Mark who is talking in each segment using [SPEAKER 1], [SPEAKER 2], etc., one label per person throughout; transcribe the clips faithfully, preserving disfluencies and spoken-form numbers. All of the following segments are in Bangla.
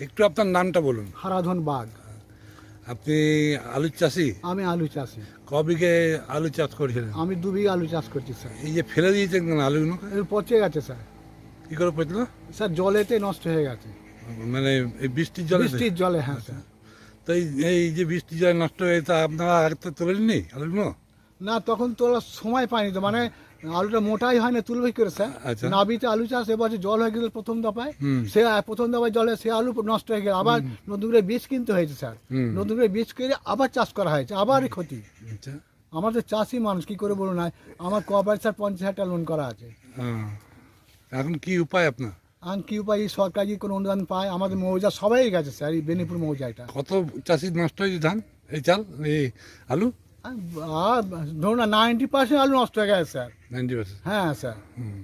[SPEAKER 1] একটু আপনার নামটা বলুন।
[SPEAKER 2] হারাধন বাগ।
[SPEAKER 1] আপনি আলু চাষি?
[SPEAKER 2] আমি আলু চাষি।
[SPEAKER 1] ক বিঘে আলু চাষ করেছিলেন?
[SPEAKER 2] আমি দু বিঘা আলু চাষ করছি স্যার।
[SPEAKER 1] এই যে ফেলে দিয়েছেন কেন আলুগুলো?
[SPEAKER 2] এর পচে গেছে স্যার।
[SPEAKER 1] কি করে পচলো?
[SPEAKER 2] স্যার জলেতে নষ্ট হয়ে গেছে।
[SPEAKER 1] মানে এই বৃষ্টির জলে?
[SPEAKER 2] বৃষ্টির জলে, হ্যাঁ স্যার।
[SPEAKER 1] তো এই এই যে বৃষ্টির জলে নষ্ট হয়ে, তা আপনারা আগে তো তোলেননি আলুগুলো?
[SPEAKER 2] না, তখন তোলার সময় পাইনি তো, মানে আলুটা মোটাই হয় না, তুলবে কি করে স্যার?
[SPEAKER 1] আচ্ছা।
[SPEAKER 2] নাবিতে আলু চাষ এবছর জল হয়ে গেল প্রথম দফায়।
[SPEAKER 1] হুম।
[SPEAKER 2] সে প্রথম দফায় জলে সে আলু নষ্ট হয়ে গেল, আবার নতুন করে বীজ কিনতে হয়েছে স্যার।
[SPEAKER 1] হুম।
[SPEAKER 2] নতুন করে বীজ কিনে আবার চাষ করা হয়েছে, আবারই ক্ষতি।
[SPEAKER 1] আচ্ছা।
[SPEAKER 2] আমাদের চাষি মানুষ কি করে বলুন না, আমার কোঅপারেটিভ স্যার পঞ্চাশ হাজার টাকা লোন করা আছে।
[SPEAKER 1] হ্যাঁ। এখন কি উপায় আপনার?
[SPEAKER 2] আর কি উপায়, সরকারি কোনো অনুদান পায়? আমাদের মৌজা সবাই গেছে স্যার, এই বেনিপুর মৌজাটা।
[SPEAKER 1] কত চাষি নষ্ট হয়েছে ধান, এই চাল, এই আলু?
[SPEAKER 2] আর ধরুন না, নাইনটি পার্সেন্ট আলু নষ্ট হয়ে গেছে স্যার।
[SPEAKER 1] Ninety percent?
[SPEAKER 2] হ্যাঁ স্যার।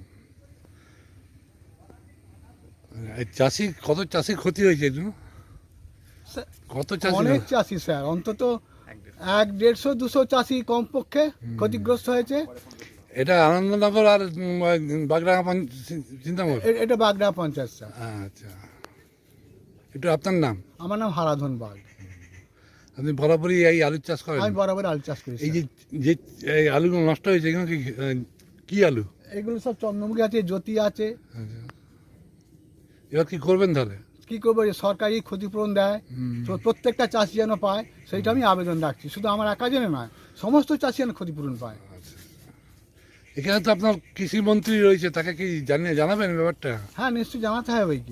[SPEAKER 1] এই চাষি, কত চাষি ক্ষতি হয়েছে এর জন্য?
[SPEAKER 2] স্যার,
[SPEAKER 1] কত চাষি?
[SPEAKER 2] অনেক চাষি স্যার, অন্তত এক দেড়শো দুশো চাষি কমপক্ষে ক্ষতিগ্রস্ত হয়েছে।
[SPEAKER 1] এটা আনন্দনগর আর বাগডাঙ্গা চিন্তামোড়?
[SPEAKER 2] এ- এটা বাগড়া পঞ্চায়েত স্যার।
[SPEAKER 1] আচ্ছা। একটু আপনার নাম?
[SPEAKER 2] আমার নাম হারাধন বাগ।
[SPEAKER 1] আপনি বরাবরই এই আলু চাষ করেন?
[SPEAKER 2] আমি বরাবর আলু চাষ করি
[SPEAKER 1] এই
[SPEAKER 2] স্যার।
[SPEAKER 1] যে যে এই আলুগুলো নষ্ট হয়েছে, এগুলো কি আহ, কি আলু?
[SPEAKER 2] এগুলো সব চন্দ্রমুখী আছে, জ্যোতি আছে।
[SPEAKER 1] আচ্ছা। এবার কি করবেন তাহলে?
[SPEAKER 2] কি করবো, যে সরকারি ক্ষতিপূরণ দেয়, তো প্রত্যেকটা চাষি যেন পায়, সেইটা আমি আবেদন রাখছি। শুধু আমার একা যেন নয়, সমস্ত চাষি যেন ক্ষতিপূরণ পায়।
[SPEAKER 1] এখানে তো আপনার কৃষিমন্ত্রী রয়েছে, তাকে কি জানিয়ে জানাবেন ব্যাপারটা?
[SPEAKER 2] হ্যাঁ, নিশ্চয়ই জানাতে হবে কি।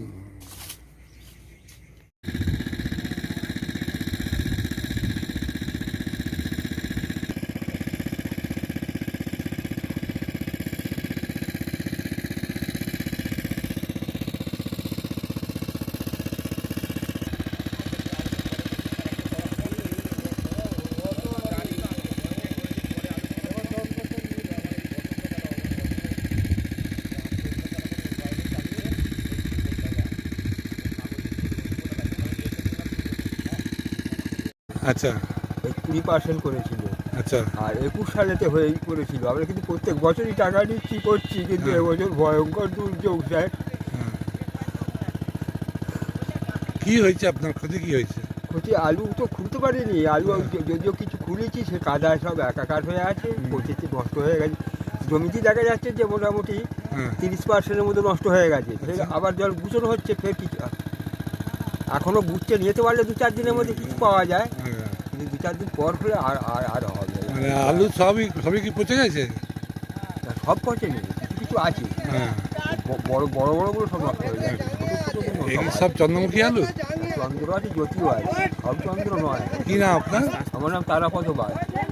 [SPEAKER 1] আচ্ছা
[SPEAKER 3] কুড়ি পার্সেন্ট করেছিল,
[SPEAKER 1] আচ্ছা।
[SPEAKER 3] আর একুশ সালেতে হয়েই করেছিল। আমরা কিন্তু প্রত্যেক বছরই টাকা নিচ্ছি, করছি, কিন্তু
[SPEAKER 1] হ্যাঁ।
[SPEAKER 3] এবছর ভয়ঙ্কর দুর্যোগ স্যার।
[SPEAKER 1] হ্যাঁ। কি হয়েছে আপনার, ক্ষতি কি হয়েছে?
[SPEAKER 3] ক্ষতি আলু তো খুলতে পারিনি, আলু য- যদিও কিছু খুলেছি, সে কাদায় সব একাকার হয়ে আছে, পচিতে নষ্ট হয়ে গেছে। জমিতে দেখা যাচ্ছে যে মোটামুটি
[SPEAKER 1] হ্যাঁ।
[SPEAKER 3] তিরিশ পার্সেন্টের মতো নষ্ট হয়ে গেছে। ফের
[SPEAKER 1] আচ্ছা।
[SPEAKER 3] আবার জল গুছানো হচ্ছে, ফের কিছু এখনও বুঝছে, নিতে পারলে দু চার দিনের মধ্যে কিছু পাওয়া যায়,
[SPEAKER 1] হ্যাঁ।
[SPEAKER 3] কিন্তু দু চার দিন পর হলে আর আর আর হবে না।
[SPEAKER 1] মানে আলু সবই সবই কি পচে গেছে?
[SPEAKER 3] তা সব পচেনি, কিছু কিছু আছে,
[SPEAKER 1] হ্যাঁ।
[SPEAKER 3] ব- বড় বড় বড়গুলো সব নষ্ট হয়ে যায়, ছোটো ছোটোগুলো
[SPEAKER 1] এগুলো
[SPEAKER 3] সব
[SPEAKER 1] সব চন্দ্রমুখী আলু?
[SPEAKER 3] আছে। চন্দ্র আছে, জ্যোতিও আছে, সব চন্দ্র নয়।
[SPEAKER 1] কি নাম আপনার?
[SPEAKER 3] আমার নাম তারাপদ বাগ।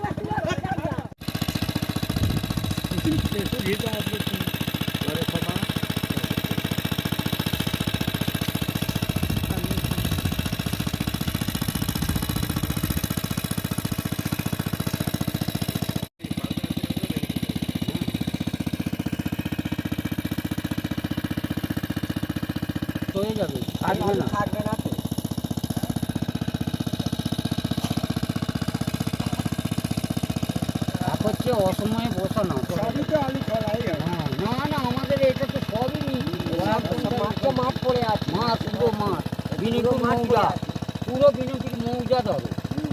[SPEAKER 4] হয়ে যাবে, থাকবে না, থাকবে না তো। এক হচ্ছে অসময়ে বসানো, হ্যাঁ, না না, আমাদের এটা তো সবই মাঠটা মাঠ পড়ে আছে, মাঠ পুরো মাঠ, বিনিপুর মৌজা, পুরো বিনিপুর মৌজা ধরো।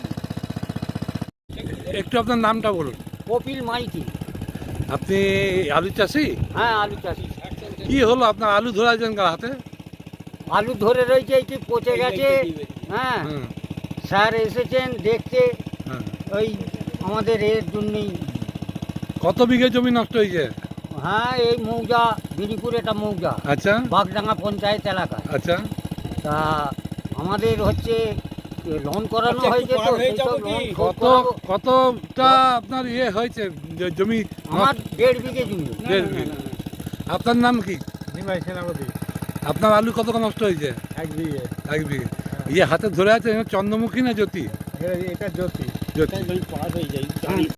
[SPEAKER 1] একটু আপনার নামটা বলুন।
[SPEAKER 4] কপিল মাইতি।
[SPEAKER 1] আপনি আলু চাষি?
[SPEAKER 4] হ্যাঁ, আলু চাষি।
[SPEAKER 1] কি হলো আপনার, আলু ধরাছেন কার হাতে?
[SPEAKER 4] আলু ধরে রয়েছে, এটি পচে গেছে। হ্যাঁ,
[SPEAKER 1] হুম।
[SPEAKER 4] স্যার এসেছেন দেখতে,
[SPEAKER 1] হ্যাঁ।
[SPEAKER 4] ওই আমাদের এর জন্যই।
[SPEAKER 1] কত বিঘে জমি নষ্ট হয়েছে?
[SPEAKER 4] হ্যাঁ, এই মৌজা, বিনিপুর এটা মৌজা,
[SPEAKER 1] আচ্ছা
[SPEAKER 4] বাগডাঙ্গা পঞ্চায়েত এলাকা।
[SPEAKER 1] আচ্ছা।
[SPEAKER 4] তা আমাদের হচ্ছে লোন করানো হয়েছে, তো সেই সব লোন শোধ
[SPEAKER 1] কত
[SPEAKER 4] করাবো।
[SPEAKER 1] কতটা আপনার ইয়ে হয়েছে যে জমি?
[SPEAKER 4] আমার দেড় বিঘে জমি।
[SPEAKER 1] দেড় বিঘে। আপনার নাম কি?
[SPEAKER 2] নিমাই সেনাপতি।
[SPEAKER 1] আপনার আলু কত নষ্ট হয়েছে?
[SPEAKER 2] এক বিঘে।
[SPEAKER 1] এক বিঘে। ইয়ে হাতে ধরে আছে, চন্দ্রমুখী না জ্যোতি?
[SPEAKER 2] এটা জ্যোতি।
[SPEAKER 1] জ্যোতি।
[SPEAKER 4] পার হয়ে যায়।